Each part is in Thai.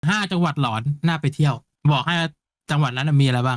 5 จังหวัดหลอนน่าไปเที่ยวบอกให้จังหวัดนั้นมีอะไรบ้าง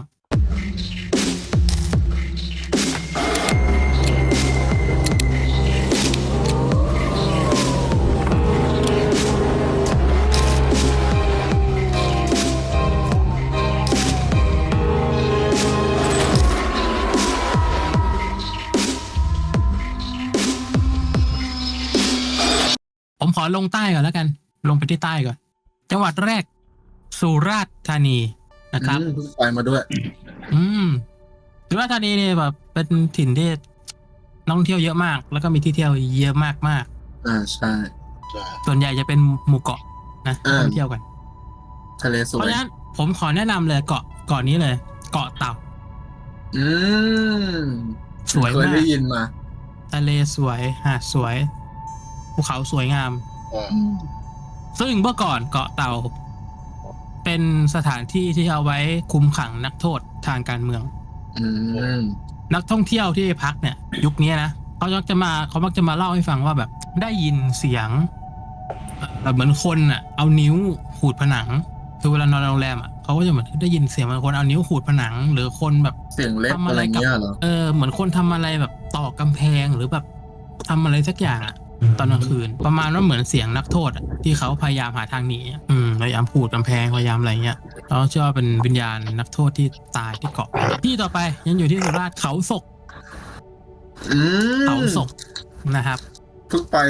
ผมขอลงใต้ก่อนแล้วกันลงไปที่ใต้ก่อนจังหวัดแรกสุราษฎร์ธานีนะครับเพิ่งไปมาด้วยอืมสุราษฎร์ธานีเนี่ยแบบเป็นถิ่นที่นักท่องเที่ยวเยอะมากแล้วก็มีที่เที่ยวเยอะมากมากใช่ส่วนใหญ่จะเป็นหมู่เกาะนะท่องเที่ยวกันทะเลสวยเพราะฉะนั้นผมขอแนะนำเลยเกาะนี้เลย เกาะเต่าอืมสวยเคยมากได้ยินมาทะเลสวยหาดสวยภูเขาสวยงามซึ่งเมื่อก่อนเกาะเต่าเป็นสถานที่ที่เอาไว้คุมขังนักโทษทางการเมืองนักท่องเที่ยวที่พักเนี่ยยุคนี้นะเขามักจะมาเล่าให้ฟังว่าแบบได้ยินเสียงแบบเหมือนคนอ่ะเอานิ้วขูดผนังคือเวลานอนโรงแรมอ่ะเขาก็จะเหมือนได้ยินเสียงเหมือนคนเอานิ้วขูดผนังหรือคนแบบเสียงเล็บทำอะไรเงี้ยเหรอเหมือนคนทำอะไรแบบต่อกำแพงหรือแบบทำอะไรสักอย่างอ่ะตอนกลางคืนประมาณว่าเหมือนเสียงนักโทษที่เขาพยายามหาทางหนีพยายามขูดกำแพงพยายามอะไรเงี้ยเราเชื่อว่าเป็นวิญญาณนักโทษที่ตายที่เกาะที่ต่อไปยังอยู่ที่สุราษฎร์เขาศกเขาศกนะครับเพิ่งไป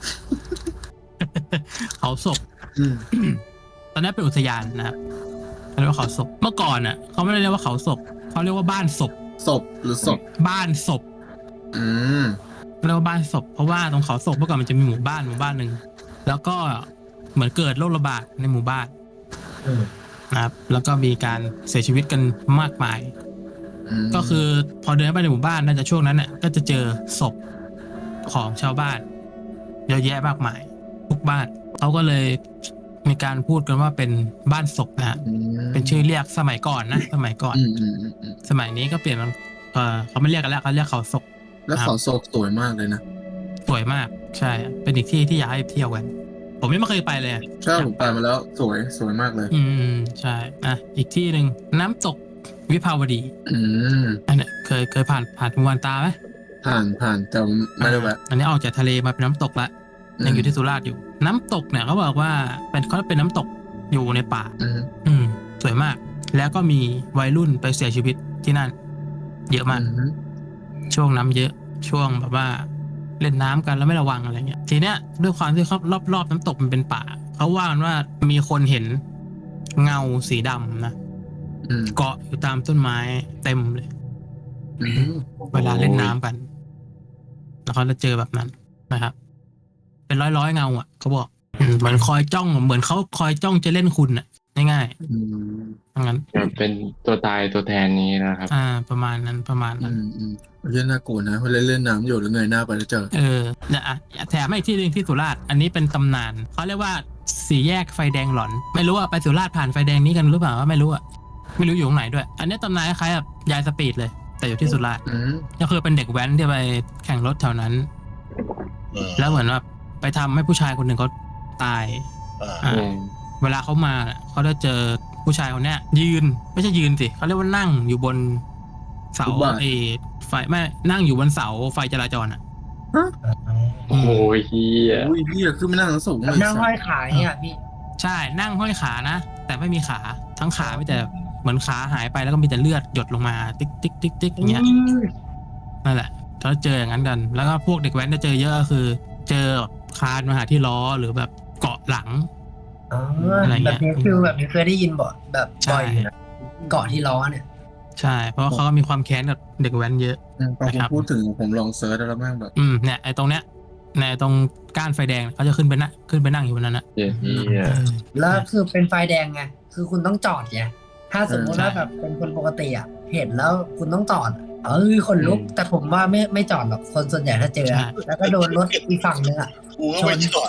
เขาศกตอนนี้เป็นอุทยานนะครับเขาเรียกว่าเขาศกเมื่อก่อนน่ะเขาไม่ได้เรียกว่าเขาศกเขาเรียกว่าบ้านศพศพหรือศพบ้านศพเรียกว่าบ้านศพเพราะว่าตรงเขาศกเมื่อก่อนมันจะมีหมู่บ้านหนึ่งแล้วก็เหมือนเกิดโรคระบาดในหมู่บ้านนะครับแล้วก็มีการเสียชีวิตกันมากมายก็คือพอเดินไปในหมู่บ้านน่าจะช่วงนั้นเนี่ยก็จะเจอศพของชาวบ้านเยอะแยะมากมายทุกบ้านเขาก็เลยมีการพูดกันว่าเป็นบ้านศพนะเป็นชื่อเรียกสมัยก่อนนะสมัยก่อนสมัยนี้ก็เปลี่ยนมันเขาไม่เรียกกันแล้วเขาเรียกเขาศกแล้วเขาศกสวยมากเลยนะสวยมากใช่เป็นอีกที่ที่อยากให้เที่ยวกันผมยังไม่เคยไปเลยใช่ผมไปมาแล้วสวยมากเลยใช่อีกที่หนึ่งน้ำตกวิภาวดีอันนี้เคยผ่านภูวันตาไหมผ่านแต่ไม่ได้แวะอันนี้ออกจากทะเลมาเป็นน้ำตกละยังอยู่ที่สุราษฎร์อยู่น้ำตกเนี่ยเขาบอกว่าเขาเป็นน้ำตกอยู่ในป่าสวยมากแล้วก็มีวัยรุ่นไปเสียชีวิตที่นั่นเยอะมากช่วงน้ำเยอะช่วงแบบว่าเล่นน้ำกันแล้วไม่ระวังอะไรเงี้ยทีเนี้ยด้วยความที่เขารอบน้ำตกมันเป็นป่าเขาว่ากันว่ามีคนเห็นเงาสีดำนะเกาะอยู่ตามต้นไม้เต็มเลยเวลาเล่นน้ำกันแล้วเขาจะเจอแบบนั้นนะครับเป็นร้อยเงาอ่ะเขาบอกเหมือนคอยจ้องเหมือนเขาคอยจ้องจะเล่นคุณอ่ะง่ายๆงั้นเป็นตัวตายตัวแทนนี้นะครับประมาณนั้นเรื่องน่ากลัวนะเวลาเล่นน้ำอยู่หรือไงหน้าไปแล้วเจอเนี่ยแถมให้ที่หนึ่งที่สุราษฎร์อันนี้เป็นตำนานเขาเรียกว่าสี่แยกไฟแดงหลอนไม่รู้ว่าไปสุราษฎร์ผ่านไฟแดงนี้กันหรือเปล่าไม่รู้อยู่ตรงไหนด้วยอันนี้ตำนานคล้ายๆแบบยายสปีดเลยแต่อยู่ที่สุราษฎร์ก็คือเป็นเด็กแว้นที่ไปแข่งรถแถวนั้นแล้วเหมือนว่าไปทำให้ผู้ชายคนหนึ่งเขาตายเวลาเขามาเขาจะเจอผู้ชายคนเนี้ยยืนไม่ใช่ยืนสิเขาเรียกว่านั่งอยู่บนเสาไฟไม่นั่งอยู่บนเสาไฟจราจรโอ้ยเฮียคือไม่นั่งสูงเลยนั่งห้อยขาเนี่ยพี่ใช่นั่งห้อยขานะแต่ไม่มีขาทั้งขาไม่แต่เหมือนขาหายไปแล้วก็มีแต่เลือดหยดลงมาติ๊กติ๊กติ๊กติ๊กอย่างเงี้ยนั่นแหละถ้าเจออย่างนั้นกันแล้วก็พวกเด็กแว้นจะเจอเยอะก็คือเจอคานมาหาที่ล้อหรือแบบเกาะหลังอะไรเงี้ยแบบนี้คือแบบนี้เคยได้ยินบ่อยแบบบ่อยเกาะที่ล้อเนี่ยใช่เพราะเขามีความแค้นกับเด็กแว้นเยอะพอผมพูดถึงผมลองเซิร์ชแล้วแม่งแบบเนี่ยไอ้ตรงเนี้ยในตรงก้านไฟแดงเขาจะขึ้นไปนั่งอยู่บนนั้นนะแล้วคือเป็นไฟแดงไงคือคุณต้องจอดไงถ้าสมมติว่าแบบเป็นคนปกติอ่ะเห็นแล้วคุณต้องจอดคนลุกแต่ผมว่าไม่จอดหรอกคนส่วนใหญ่ถ้าเจอแล้วก็โดนรถอีกฝั่งนึงอ่ะกูก็ไม่จอด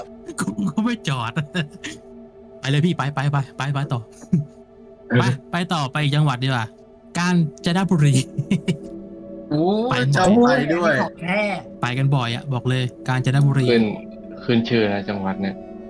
ไปเลยพี่ไปต่อไปต่อไปจังหวัดดีกว่ากาญจนบุรีไปด้วยไปกันบ่อยอ่ะบอกเลยกาญจนบุรีขึ้นชื่อนะจังหวัดเนี่ย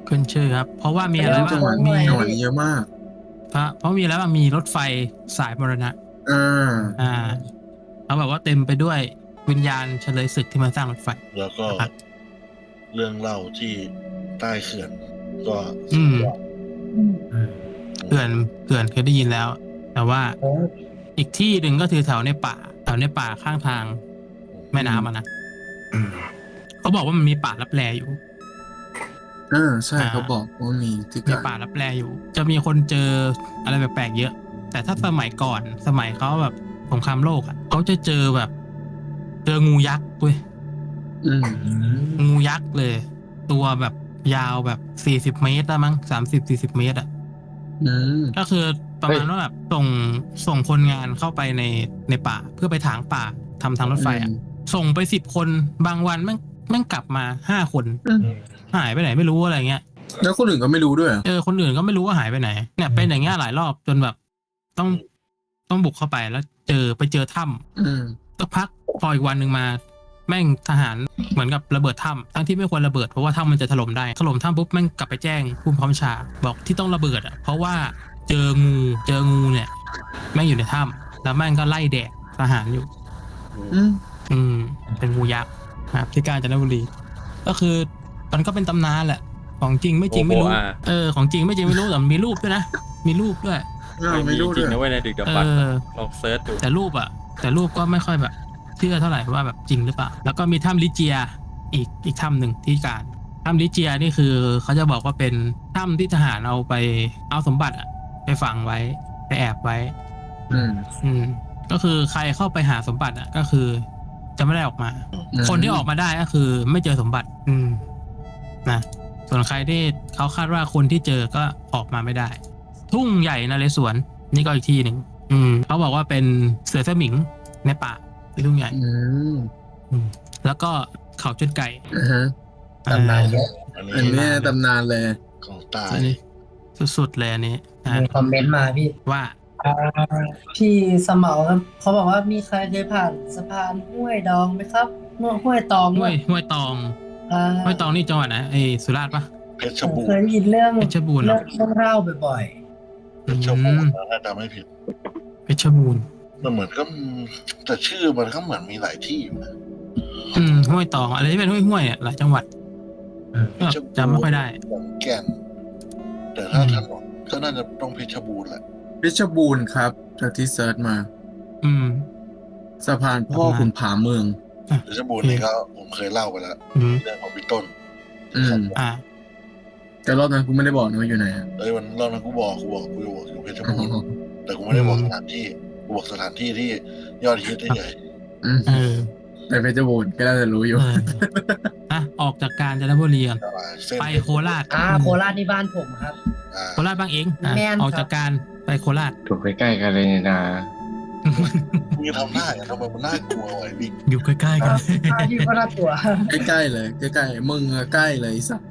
ขึ้นชื่อครับ เพราะว่ามีอะไรบ้างจังหวัดมีนี้เยอะมากเพราะมีอะไรบ้างมีรถไฟสายมรณะอ่าเขาแบบว่าเต็มไปด้วยวิญญาณเฉลยศึกที่มาสร้างรถไฟแล้วก็ครับเรื่องเล่าที่ใต้เขื่อนก็อืมอืมเขื่อนเคยได้ยินแล้ว แต่ว่าโอ้อีกที่หนึ่งก็คือแถวในป่าข้างทางแม่น้ำอะนะเขาบอกว่ามันมีป่าลับแลอยู่ใช่เขาบอกว่ามีที่มีกาป่าร ลับแลอยู่ จะมีคนเจออะไรแปลกๆเยอะ แต่ถ้าสมัยก่อนสมัยเขาแบบสงครามโลกอ่ะเขาจะเจอแบบเจองูยักษ์เว้ยอืมงูยักษ์เลย ตัวแบบยาวแบบ40 เมตรได้มั้ง30-40 เมตรอ่ะอืมก็คือประมาณว่าแบบส่งคนงานเข้าไปในป่าเพื่อไปถางป่าทำทางรถไฟอ่ะ ส่งไป10 คนบางวันแม่งกลับมา5 คน หายไปไหนไม่รู้อะไรเงี้ยแล้วคนอื่นก็ไม่รู้ด้วยเหรอคนอื่นก็ไม่รู้ว่าหายไปไหน เนี่ยเป็นอย่างเงี้ยหลายรอบจนแบบต้องบุกเข้าไปแล้วไปเจอถ้ำอืมสักพักพออีกวันหนึ่งมาแม่งทหารเหมือนกับระเบิดถ้ำทั้งที่ไม่ควรระเบิดเพราะว่าถ้ำมันจะถล่มได้ถล่มถ้ำปุ๊บแม่งกลับไปแจ้งผู้บังคับบัญชาบอกที่ต้องระเบิดอ่ะเพราะว่าเจองูเนี่ยแม่งอยู่ในถ้ำแล้วแม่งก็ไล่แดกทหารอยู่อืมเป็นงูยักษ์นะครับที่กาญจนบุรี ก็คือมันก็เป็นตำนานแหละของจริงไม่จริงไม่รู้ ของจริงไม่จริงไม่รู้แต่มีรูปด้วยนะมีรูปด้วยไม่รู้จริด้วงยนะเว้ยในดึกดำบรรพ์ลองเซิร์ชดูแต่รูปก็ไม่ค่อยแบบเชื่อเท่าไหร่ว่าแบบจริงหรือเปล่าแล้วก็มีถ้ำลิเจียอีกถ้ำหนึ่งที่การถ้ำลิเจียนี่คือเขาจะบอกว่าเป็นถ้ำที่ทหารเอาสมบัติอะไปฝังไว้ไปแอบไว้อืมก็คือใครเข้าไปหาสมบัติอะก็คือจะไม่ได้ออกมา คนที่ออกมาได้ก็คือไม่เจอสมบัติ นะส่วนใครที่เขาคาดว่าคนที่เจอก็ออกมาไม่ได้ ทุ่งใหญ่นเรศวรนี่ก็อีกที่หนึ่งเขาบอกว่าเป็นเสือสมิงในป่าที่ทุ่งใหญ่ แล้วก็เขาจุดไก่ตำนานเยอะอันอันนี้นี้ตำนานเลยของตายอันนี้สุดๆเลยอันนี้นะมีคอมเมนต์มาพี่ว่าพี่สมอครับเขาบอกว่ามีใครเคยผ่านสะพานห้วยดองไหมครับห้วยตองห้วยตอง ห้วยตองนี่จังหวัดไหนสุราษฎร์ปะเพชรผมบูเครยณ์ได้ยินเรื่องเพชรบูรณ์เหรอเรื่องเล่าบ่อยเพชรบูรณ์ถ้าจำไม่ผิดเพชรบูรณ์มันเหมือนก็แต่ชื่อมันก็เหมือนมีหลายที่อยู่นะห้วยตองอะไรที่เป็นห้วยเนี่ยหลายจังหวัดก็จำไม่ค่อยได้ขอนแก่นแต่ถ้าถนนก็น่าจะต้องเพชรบูรณ์แหละเพชรบูรณ์ครับจากที่เซิร์ชมาอืมสะพานพ่อขุนผาเมืองเพชรบูรณ์นี่ก็ผมเคยเล่าไปแล้วอืมเรื่องของพี่ต้นอ่าแต่รอบนั้นกูไม่ได้บอกนะว่าอยู่ไหนอะวันรอบนั้นกูบอกอยู่เพชรบูรณ์แต่กูไม่ได้บอกสถานที่กูบอกสถานที่ที่ยอดฮิตเฉยอืมเออแต่เพชรบูรณ์ก็น่าจะรู้อยู่ออกจากกาญจนบุรีก่อนเส้นไปโคราชๆโคราชที่บ้านผมครับโคราชบ้างเองแม่นครับออกจากการไปโคราชถูกใกล้ๆกันเลยนี่นะมึงทำหน้าอย่างทำไมมันน่ากลัวไอ้บิ๊กอยู่ใกล้ๆกันที่ก็น่ากลัวใกล้ๆเลยใกล้ๆมึงอะใกล้เลยไอ้สัส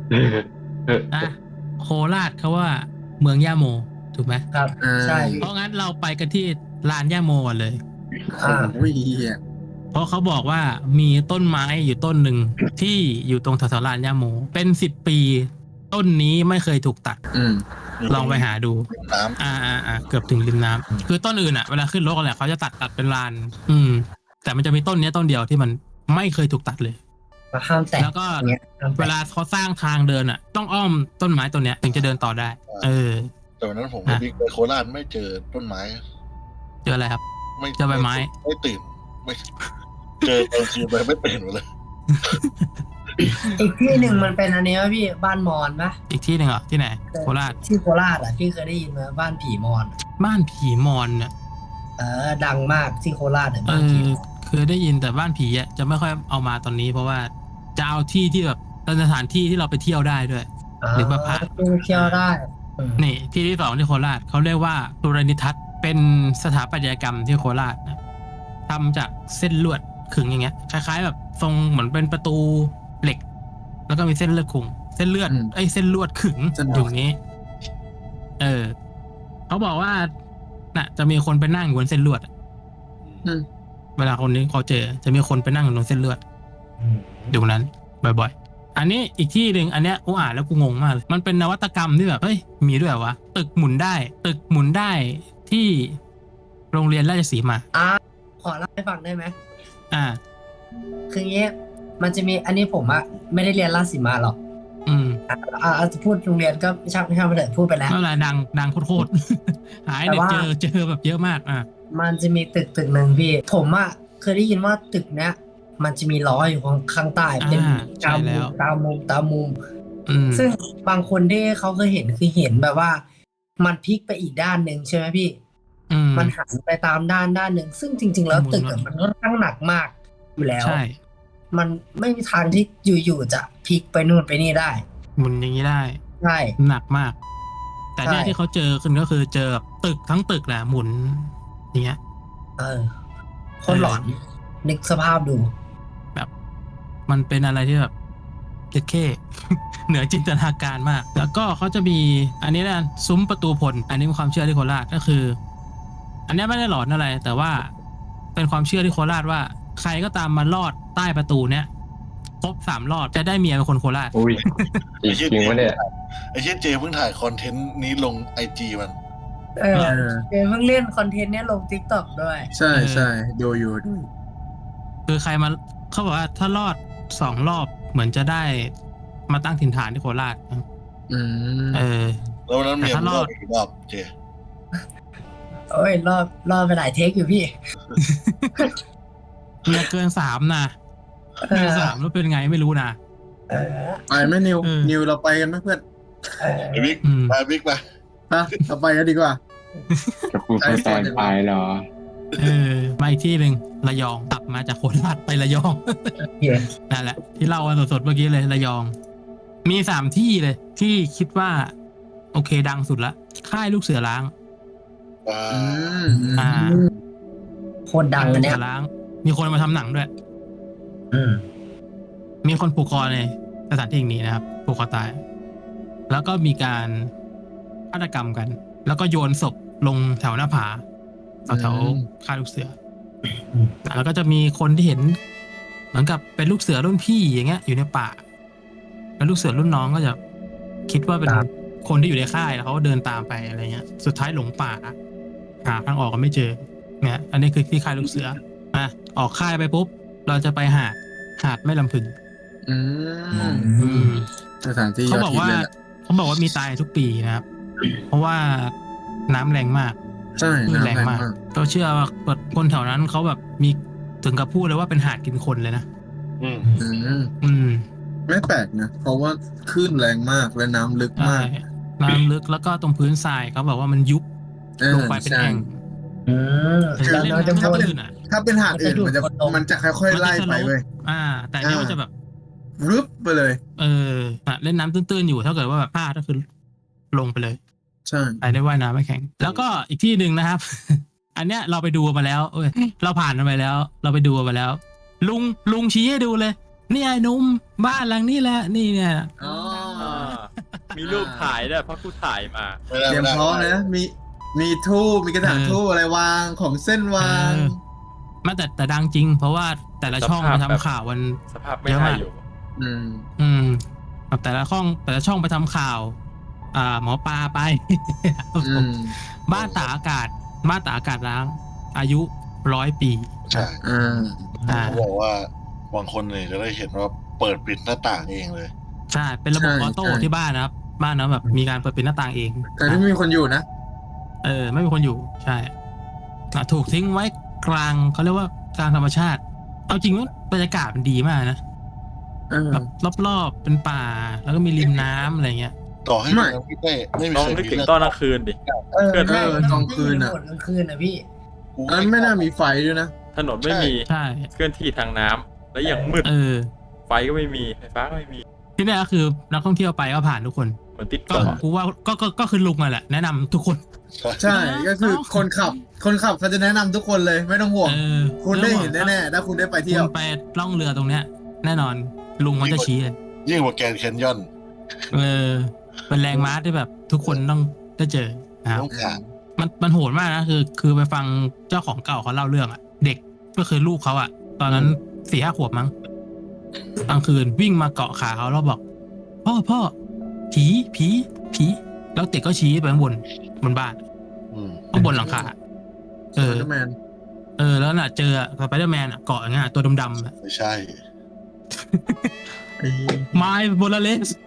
โคราชเขาว่าเมืองย่าโมถูกไหมครับ ใช่เพราะงั้นเราไปกันที่ลานย่าโมก่อนเลยโอ้ยเหี้ยเพราะเขาบอกว่ามีต้นไม้อยู่ต้นหนึ่งที่อยู่ตรงแถวๆลานย่าโมเป็น10 ปีต้นนี้ไม่เคยถูกตัด ลองไปหาดูน้เกือบถึงริมน้ำคือต้นอื่นอ่ะเวลาขึ้นรถกันแหละเขาจะตัดเป็นลาน แต่มันจะมีต้นเนี้ยต้นเดียวที่มันไม่เคยถูกตัดเลยมาห้ามแตะแล้วก็เนี่ยห้ามเวแตะลาเขาสร้างทางเดินอ่ะ ต้องอ้อมต้นไม้ต้นเนี้ยถึงจะเดินต่อได้ำแต่วันนั้นผมกับบิ๊กไปโคราชไม่เจอต้นไม้เจออะไรครับไม่เจอใบไม้ไม่ตื่นไม่เจอตอนคืนไปไม่ตื่นหมดเลยอีกที่หนึ่งมันเป็นอันนี้ป่ะพี่บ้านมอญปะอีกที่หนึ่งเหรอที่ไหนโคราชที่โคราชอ่ะพี่เคยได้ยินไหมบ้านผีมอญบ้านผีมอนเนี่ยดังมากที่โคราชเนี่ยเอบ้านผีอเคยได้ยินแต่บ้านผีอ่ะจะไม่ค่อยเอามาตอนนี้ เพราะว่าจะเอาที่ที่แบบเป็นสถานที่ที่เราไปเที่ยวได้ด้วย หรือมาพักเที่ยวได้นี่ที่ที่ 2ที่โคราชเขาเรียกว่าสุรนิทัศน์เป็นสถาปัตยกรรมที่โคราชนะทำจากเส้นลวดขึงอย่างเงี้ยคล้ายๆแบบทรงเหมือนเป็นประตูเหล็ก แล้วก็มีเส้นเลือดขึงเส้นเลือดเส้นลวดขึงอยู่นี้ เขาบอกว่าน่ะจะมีคนไปนั่งอยู่บนเส้นลวดอะเวลาคนนี้เขาเจอจะมีคนไปนั่งอยู่บนเส้นเลือดอยู่นั้นบ่อยอันนี้อีกที่หนึ่งอันเนี้ยกูอ่านแล้วกูงงมากเลยมันเป็นนวัตกรรมที่แบบเฮ้ยมีด้วยเหรอวะตึกหมุนได้ที่โรงเรียนราชสีมาขอเล่าให้ฟังได้ไหมอ่าคืองี้มันจะมีอันนี้ผมอะไม่ได้เรียนราชสีมาหรอก จะพูดโรงเรียนก็ไม่ใช่ไปเถอะพูดไปแล้วเมื่อไหร่ดังโคตรๆ หายเนี่ยแต่ว่าเจอแบบเยอะมากมันจะมีตึกหนึ่งพี่ ผมอะเคยได้ยินว่าตึกเนี้ยมันจะมีล้ออยู่ข้างใต้เป็นใช่แล้วตามมุมอืมซึ่งบางคนที่เขาเคยเห็นคือเห็นแบบว่า มันพลิกไปอีกด้านหนึ่งใช่ไหมพี่ มันหันไปตามด้านหนึ่งซึ่งจริง ๆ แล้วหมุนตึกอะมันค่อนข้างหนักมากอยู่แล้วใช่มันไม่มีทางที่อยู่ๆจะพลิกไปนู่นไปนี่ได้หมุนอย่างนี้ได้ใช่หนักมาก แต่เนี่ยใช่ที่เขาเจอขึ้นก็คือเจอแบบตึกทั้งตึกแหละหมุนอย่างเงี้ยคนหลอน นึกสภาพดูแบบมันเป็นอะไรที่แบบเจ็ดเข้ เหนือจินตนาการมาก แล้วก็เขาจะมีอันนี้นะซุ้มประตูพลอันนี้เป็นความเชื่อที่โคราชก็คือ อันนี้ไม่ได้หลอนอะไร แต่ว่าเป็นความเชื่อที่โคราชว่า ใครก็ตามมาลอดใต้ประตูเนี้ยครบ3 รอบจะได้เมียเป็นคนโคราชอุ้ยจริงวะเนี่ยไอ้เชี่ยเจเพิ่งถ่ายคอนเทนต์นี้ลงไอจีมันเพิ่งเล่นคอนเทนต์เนี้ยลง TikTok ด้วยใช่ใช่ดูอยู่คือใครมาเขาบอกว่าถ้ารอด2 รอบเหมือนจะได้มาตั้งถิ่นฐานที่โคราชอืมแล้ววันนั้นเมียแต่ถ้ารอดกี่รอบเจโอ้ยรอบไปหลายเทคอยู่พี่เมียเกิน3นะเกิน3แล้วเป็นไงไม่รู้นะไปไหมนิวเออนิวเราไปกันไหมเพื่อนไอ้บิ๊กอืมไปบิ๊กไปฮะเราไปกันดีกว่าจะพูดไปตอนปลายเหรอมาอีกที่หนึ่งระยองตับมาจากโคราชไประยอง นั่นแหละที่เล่ากันสดๆเมื่อกี้เลยระยอง มี3 ที่เลยที่คิดว่า โอเคดังสุดละค่ายลูกเสือล้างอ่าอ่าโคตรดังลูอักนเนี้เสืยอล้าง มีคนมาทำหนังด้วยอืมมีคนผูกคอในสถานที่แห่งนี้นะครับผูกคอตาย แล้วก็มีการฆาตกรรมกัน แล้วก็โยนศพลงแถวหน้าผาแถวค่ายลูกเสือ แล้วก็จะมีคนที่เห็นเหมือนกับเป็นลูกเสือรุ่นพี่อย่างเงี้ยอยู่ในป่า แล้วลูกเสือรุ่นน้องก็จะคิดว่าเป็นคนที่อยู่ในค่ายแล้วเขาก็เดินตามไปอะไรเงี้ย สุดท้ายหลงป่าหาทางออกก็ไม่เจอเนี่ยอันนี้คือที่ค่ายลูกเสือออกค่ายไปปุ๊บเราจะไปหาดแม่ลำพึงอืมอืมสถานที่ยเขาอดบอกฮิตว่าเลยแหละมีตายทุกปีนะครับ เพราะว่าน้ำแรงมากใช่คลื่นน้ำแรงมากก็เชื่อว่าคนแถวนั้นเขาแบบมีถึงกับพูดเลยว่าเป็นหาดกินคนเลยนะอืมอืมไม่แปลกนะเพราะว่าคลื่นแรงมากและน้ำลึกใช่มากน้ำลึกแล้วก็ตรงพื้นทรายเขาบอกว่ามันยุบลงไปเป็นใช่แอ่งคือเล่นเราจะน้ำพูดลื่นอ่ะถ้าเป็นหาดอื่นมันจะค่อยๆไล่ไปเว้ยแต่อันนี้มันจะแบบรึบไปเลยเล่นน้ำตื้นๆอยู่ถ้าเกิดว่าแบบพลาดก็คือลงไปเลยใช่ไปได้ว่ายน้ำไม่แข็ง แล้วก็อีกที่หนึ่งนะครับ อันเนี้ยเราไปดูมาแล้วเราผ่านมันไปแล้ว เราไปดูมาแล้ว ลุงชี้ให้ดูเลยนี่ไอ้หนุ่มบ้านหลังนี้แหละนี่เนี่ยอ๋อมีรูปถ่ายด้วยเพราะกูถ่ายมาไม่ได้เตรียมไม่ได้พร้อมนะมีทูบมีกระถางทูบอะไรวางของเส้นวางมาแต่ดังจริง เพราะว่าแต่ละช่องสภาพไปแบบทำข่าวมันสภาพไม่ได้อยู่อืมแบบแต่ละช่องไปทำข่าว หมอปลาไปอืมบ้านตากอากาศร้าง อายุ100 ปีใช่ เขาบอกว่าบางคนเนี่ยจะได้เห็นว่าเปิดปิดหน้าต่างเองเลยใช่ เป็นระบบออโต้ที่บ้านนะครับ บ้านนะแบบมีการเปิดปิดหน้าต่างเองแต่ที่ไม่มีคนอยู่นะไม่มีคนอยู่ใช่ถูกทิ้งไว้กลางเขาเรียกว่ากลางธรรมชาติ เอาจริงว่าบรรยากาศมันดีมากนะแบบรอบๆเป็นป่าแล้วก็มีริมน้ำอะไรเงี้ยต่อให้มันไม่มีลองนึกถึงตอนกลางคืนดิใช่กลางคืนกลางคืนนะพี่ไม่น่ามีไฟด้วยนะถนนไม่มีใช่เคลื่อนที่ทางน้ำและอย่างมืดไฟก็ไม่มีไฟฟ้าก็ไม่มีที่นี่ก็คือนักท่องเที่ยวไปก็ผ่านทุกคนเหมือนติดก็เกาะกูว่าก็คือลุงอ่ะแหละแนะนำทุกคนใช่ก็คือคนขับเขาจะแนะนำทุกคนเลยไม่ต้องห่วง คุณได้เห็นแน่ๆถ้าคุณได้ไปเที่ยวคุณไปล่องเรือตรงเนี้ย แน่นอนลุงมันจะชี้เลยยิ่งกว่าแกรนด์แคนยอนเป็นแรงม้าที่แบบทุกคนต้องได้เจอนะครับต้องผ่านมันโหดมากนะคือไปฟังเจ้าของเก่าเขาเล่าเรื่องอ่ะ เด็กก็คือลูกเขาอ่ะ ตอนนั้น4-5 ขวบมั้งกลางคืนวิ่งมาเกาะขาเขาแล้วบอกพ่อผีแล้วเด็กก็ชี้ไปข้างบนบ้าน ข้างบนหลังคาสไปเดอร์แมนแล้วน่ะเจอสไปเดอร์แมนเกาะอย่างเงี้ยตัวดำๆไม่ใช่ไม้โบลาเลส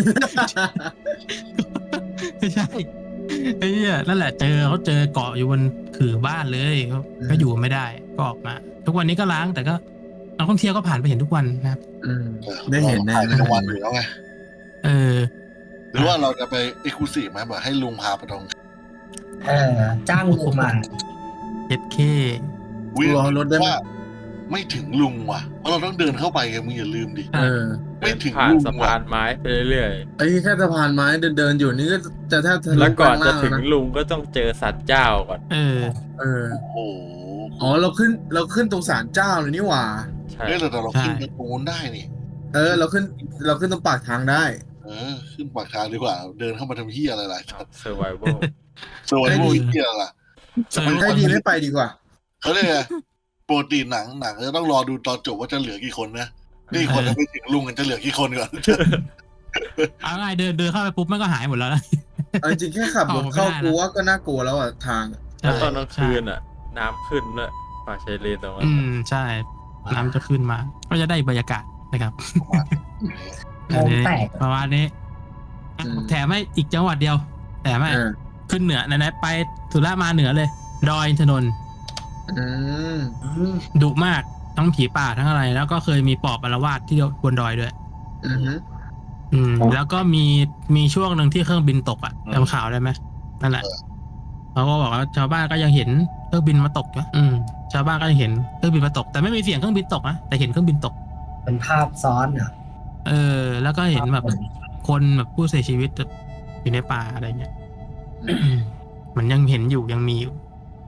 ไม่ใช่ไอ้เนี่ยนั่นแหละเขาเจอเกาะอยู่บนขื่อบ้านเลยก็อยู่ไม่ได้ก็ออกมา ทุกวันนี้ก็ล้างแต่ก็นักท่องเที่ยวก็ผ่านไปเห็นทุกวันนะครับได้เห็นแน่ถ่ายในกลางวันอยู่แล้วไง หรือว่าเราจะไปเอ็กซ์คลูซีฟไหมแบบให้ลุงพาไปตรงจ้างลุงมา 7K วิ่งรอรถได้ไหมว่าไม่ถึงลุงว่ะเพราะเราต้องเดินเข้าไปไงมึงอย่าลืมดิ ไม่ถึงผ่านลุงสะว่ะพานไม้ไปเรื่อยไอ้แค่สะพานไม้เดินอยู่นี่ก็จะแทบทะๆลุแล้วก่อนจะข้างถึงล่างลุงก็ต้องเจอสัตว์เจ้าก่อนเออแล้วนะโอ้โหอ๋อเราขึ้นตรงศาลเจ้าเลยนี่หว่าใช่เฮ้ยแต่เราขึ้นใช่ไปตรงนู้นได้นี่เราขึ้นตรงปากทางได้ขึ้นปากทางดีกว่า เดินเข้ามาทำเฮียอะไรล่ะเซอร์ไวเวลโซนโมเฮียล่ะให้ดีไม่ไปดีกว่าเขาเรียกไงปกติหนังจะต้องรอดูตอนจบว่าจะเหลือกี่คนนะนี่คนจะไปถึงลุงกันจะเหลือกี่คนก่อนเอาไงเดินเข้าไปปุ๊บมันก็หายหมดแล้วนะเอาจริงๆแค่ขับรถเข้ากูว่าก็น่ากลัวแล้วอ่ะทางแล้วตอนกลางคืนน้ำขึ้นด้วยป่าชายเลนตรงนั้นใช่น้ำจะขึ้นมา ก็จะได้บรรยากาศนะครับโมงแตกประมาณนี้แถมให้อีกจังหวัดเดียวแถมให้ขึ้นเหนือไหนๆไปสุราษฎร์มาเหนือเลย ดอยอินทนนท์ดุมากทั้งผีป่าทั้งอะไร แล้วก็เคยมีปอบอาละวาดที่บนดอยด้วยแล้วก็มีช่วงหนึ่งที่เครื่องบินตกจำข่าวได้ไหมนั่นแหละเขาก็บอกว่าชาวบ้านก็ยังเห็นเครื่องบินมาตกนะชาวบ้านก็ยังเห็นเครื่องบินมาตกแต่ไม่มีเสียงเครื่องบินตกนะแต่เห็นเครื่องบินตกเป็นภาพซ้อนอ่ะแล้วก็เห็นแบบคนแบบผู้เสียชีวิตอยู่ในป่าอะไรเงี้ยมันยังเห็นอยู่ยังมีอยู่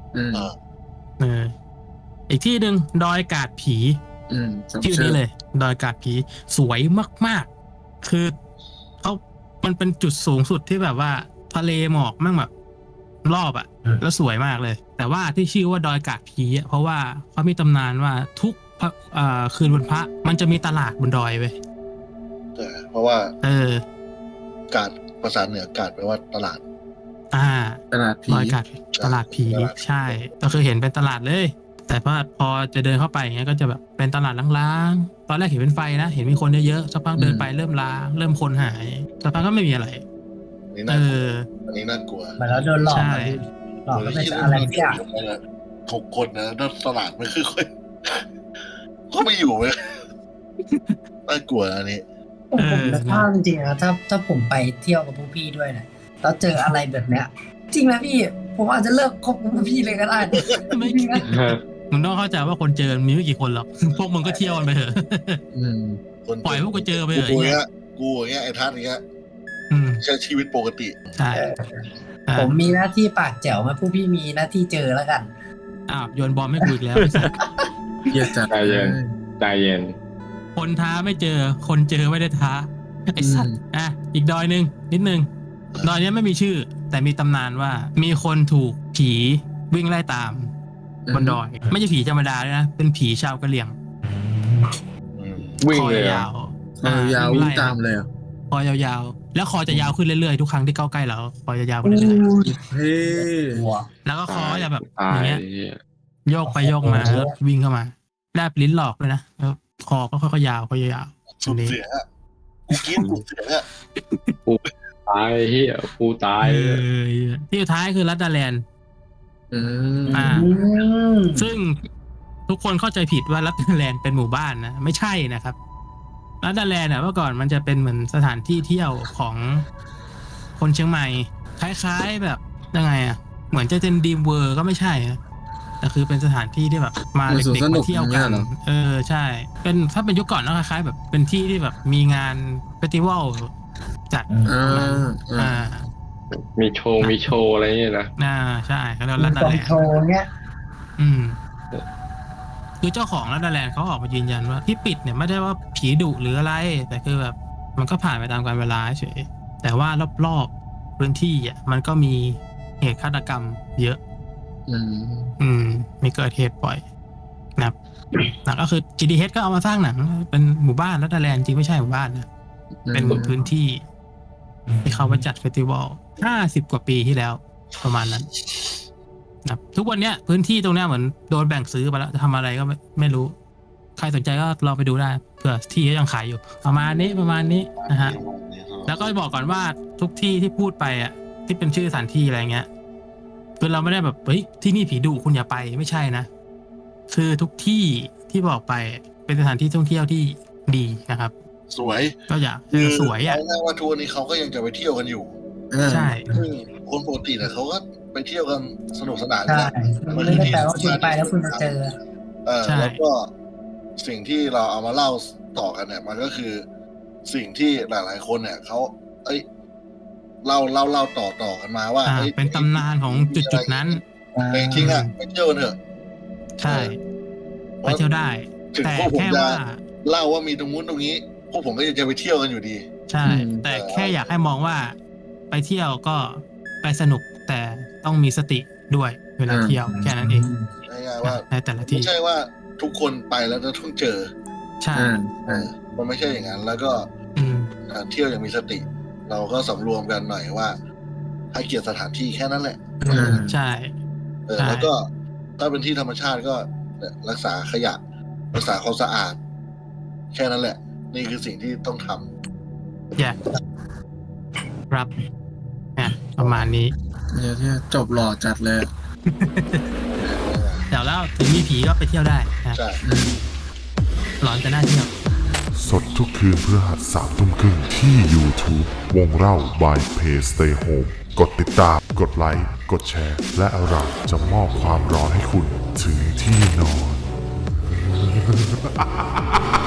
อีกที่หนึ่งดอยกาดผีชื่อนี้เลย ดอยกาดผีสวยมากๆคือมันเป็นจุดสูงสุดที่แบบว่าทะเลหมอกมั่งแบบรอบแล้วสวยมากเลย แต่ว่าที่ชื่อว่าดอยกาดผีเพราะว่าเขามีตำนานว่าทุกคืนวันพระมันจะมีตลาดบนดอยเว้ยเพราะว่ากาดภาษาเหนือกาดแปลว่าตลาดตลาดผีดอยกาดตลาดผีใช่ก็คือเห็นเป็นตลาดเลยแต่พอจะเดินเข้าไปอย่างเงี้ยก็จะแบบเป็นตลาดล้างๆตอนแรกเห็นเป็นไฟนะเห็นมีคนเยอะๆสักพักเดินไปเริ่มล้างเริ่มคนหายสักพักก็ไม่มีอะไรอันนี้น่ากลัวเหมือนเราโดนหลอกหลอกก็เป็นอะไรสักอย่าง 6 คนนะแล้วตลาดไม่ค่อยเขาไม่อยู่เลยน่ากลัวอันนี้ผมนึกภาพจริงๆนะถ้าผมไปเที่ยวกับพวกพี่ด้วยนะแล้วเจออะไรแบบเนี้ยจริงนะพี่ผมอาจจะเลิกคบกับพวกพี่เลยก็ได้ไม่จริงนะมึงต้องเข้าใจว่าคนเจอมีไม่กี่คนหรอกพวกมึงก็เที่ยวกันไปเถอะปล่อยพวกกูเจอไปเถอะกูอย่างเงี้ยไอ้ทัศน์อย่างเงี้ยใช้ชีวิตปกติใช่ผมมีหน้าที่ปากแจ๋วมาพวกพี่มีหน้าที่เจอแล้วกันโยนบอลไม่คุยแล้วเยอะจัดใจเย็นคนท้าไม่เจอคนเจอไม่ได้ท้าไอ้สัตว์อีกดอยนึงนิดนึงดอยนี้ไม่มีชื่อแต่มีตำนานว่ามีคนถูกผีวิ่งไล่ตามบนดอยไม่ใช่ผีธรรมดาด้วยนะเป็นผีชาวกะเหรี่ยงวิ่งคอเลยยาวยาววิ่งตามเลยคอยาวๆแล้วคอจะยาวขึ้นเรื่อยๆทุกครั้งที่เข้าใกล้เราคอยจะยาวขึ้นเรื่อยเฮ้ๆแล้วก็คอจะแบบตาอย่างเงี้ยโยกไปโยกมาแล้ววิ่งเข้ามาแลบลิ้นหลอกเลยนะแล้วคอก็ค่อยๆยาวค่อยๆยาวสุดเสียงกูกินสุดเสียงตายเฮียกูตายที่สุดท้ายคือรัตดาแลนด์ซึ่งทุกคนเข้าใจผิดว่ารัตดาแลนด์เป็นหมู่บ้านนะไม่ใช่นะครับรัตดาแลนด์เมื่อก่อนมันจะเป็นเหมือนสถานที่เที่ยวของคนเชียงใหม่คล้ายๆแบบยังไงเหมือนจะเป็นดีมเวอร์ก็ไม่ใช่แต่คือเป็นสถานที่ที่แบบมาเด็กๆมาเที่ยวกันใช่เป็นถ้าเป็นยุคก่อนก็คล้ายๆแบบเป็นที่ที่แบบมีงานเฟสติวัลจัดมีโชว์อะไรเงี้ยนะใช่เขาเรียกรัตดาแลนด์โชว์เนี้ยคือเจ้าของรัตดาแลนด์เขาออกมายืนยันว่าที่ปิดเนี่ยไม่ได้ว่าผีดุหรืออะไรแต่คือแบบมันก็ผ่านไปตามกาลเวลาเฉยแต่ว่ารอบๆพื้นที่มันก็มีเหตุฆาตกรรมเยอะมีเกิดเหตุบ่อยนะครับหนังก็คือ GDH ก็เอามาสร้างหนังเป็นหมู่บ้านรัตดาแลนด์จริงไม่ใช่หมู่บ้านนะเป็นพื้นที่ที่เขามาจัดเฟสติวัล50 กว่าปีที่แล้วประมาณนั้นนะครับทุกวันเนี้ยพื้นที่ตรงเนี้ยเหมือนโดนแบ่งซื้อไปแล้วจะทำอะไรก็ไม่รู้ใครสนใจก็ลองไปดูได้เผื่อที่ยังขายอยู่ประมาณนี้นะฮะแล้วก็บอกก่อนว่าทุกที่ที่พูดไปอ่ะที่เป็นชื่อสถานที่อะไรเงี้ยคือเราไม่ได้แบบเฮ้ยที่นี่ผีดุคุณอย่าไปไม่ใช่นะคือทุกที่ที่บอกไปเป็นสถานที่ท่องเที่ยวที่ดีนะครับสวยก็อยากสวยอ่ะเอาง่ายว่าทัวร์นี้เขาก็ยังจะไปเที่ยวกันอยู่ใช่ซึ่งคนปกติเนี่ยเขาก็ไปเที่ยวกันสนุกสนานใช่ ไม่ได้แปลว่าคุณไปแล้วคุณจะเจอแล้วก็สิ่งที่เราเอามาเล่าต่อกันเนี่ย มันก็คือสิ่งที่หลายๆคนเนี่ยเขาเล่าต่อกันมาว่าเป็นตำนานของจุดนั้นแต่จริงๆอ่ะไปเที่ยวกันเถอะใช่ไปเที่ยวได้ถึงแต่พวกผมแค่จะว่าเล่าว่ามีตรงนู้นตรงนี้ พวกผมก็จะไปเที่ยวกันอยู่ดีใช่ แต่แค่อยากให้มองว่าไปเที่ยวก็ไปสนุกแต่ต้องมีสติด้วยเวลาเที่ยวแค่นั้นเองง่ายๆว่าในแต่ละที่ไม่ใช่ว่าทุกคนไปแล้วจะต้องเจอใช่มันไม่ใช่อย่างนั้น แล้วก็อืมเที่ยวอย่างมีสติ เราก็สำรวมกันหน่อยว่า ให้เกียรติสถานที่แค่นั้นแหละใช่ ใช่แล้วก็ถ้าเป็นที่ธรรมชาติก็รักษาขยะ รักษาความสะอาด แค่นั้นแหละ นี่คือสิ่งที่ต้องทำแย่ครับประมาณนี้เนี่ยจบหล่อจัดเลยเดี๋ยวแล้วถึงมีผีก็ไปเที่ยวได้นะใช่หลอนแต่น่าเที่ยวสดทุกคืนพฤหัส 3:30 ที่ YouTube วงเล่า by Play Stay Home กดติดตาม กดไลค์ กดแชร์ และเราจะมอบความร้อนให้คุณถึงที่นอน